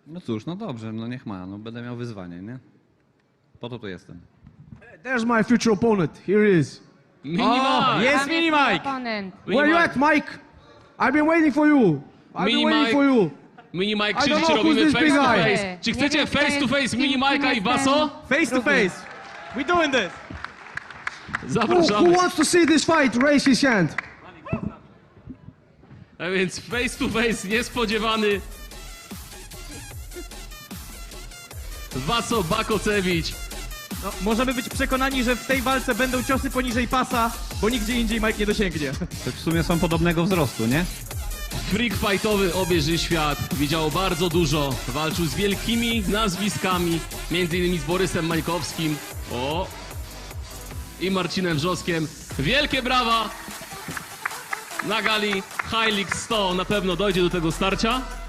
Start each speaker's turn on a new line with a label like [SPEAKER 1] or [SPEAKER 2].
[SPEAKER 1] No cóż, no dobrze, no niech ma, no będę miał wyzwanie, nie? Po to tu jestem.
[SPEAKER 2] There's my future opponent. Here he is.
[SPEAKER 3] Mini
[SPEAKER 4] O,
[SPEAKER 3] Mike!
[SPEAKER 4] jest
[SPEAKER 5] Tam
[SPEAKER 4] Mini
[SPEAKER 5] mój
[SPEAKER 4] Mike!
[SPEAKER 5] oponent.
[SPEAKER 2] Where you at, Mike? I've been waiting for you. I've
[SPEAKER 3] Mini
[SPEAKER 2] been waiting
[SPEAKER 3] Mike.
[SPEAKER 2] for you.
[SPEAKER 3] Mini Mike
[SPEAKER 2] I don't
[SPEAKER 3] krzyczy,
[SPEAKER 2] know
[SPEAKER 3] robimy
[SPEAKER 2] who's this
[SPEAKER 3] face
[SPEAKER 2] big
[SPEAKER 3] to
[SPEAKER 2] guy.
[SPEAKER 3] face. Czy
[SPEAKER 5] Nie
[SPEAKER 3] chcecie
[SPEAKER 5] wiem, kto
[SPEAKER 3] face to
[SPEAKER 5] jest
[SPEAKER 3] face
[SPEAKER 5] kim,
[SPEAKER 3] Mini
[SPEAKER 5] kim
[SPEAKER 3] Mike'a i
[SPEAKER 5] jest
[SPEAKER 3] Baso?
[SPEAKER 4] Face to face. We doing this.
[SPEAKER 2] Who
[SPEAKER 3] Zapraszamy.
[SPEAKER 2] wants to see this fight? Raise his hand.
[SPEAKER 3] A więc face to face niespodziewany. Baso Bakocewicz.
[SPEAKER 4] No, możemy być przekonani, że w tej walce będą ciosy poniżej pasa, bo nigdzie indziej Mike nie dosięgnie.
[SPEAKER 1] To w sumie są podobnego wzrostu, nie?
[SPEAKER 3] Freak fightowy obieży świat. Widział bardzo dużo. Walczył z wielkimi nazwiskami. Między innymi z Borysem Mańkowskim. O! I Marcinem Wrzoskiem. Wielkie brawa! Na gali High League 100 na pewno dojdzie do tego starcia.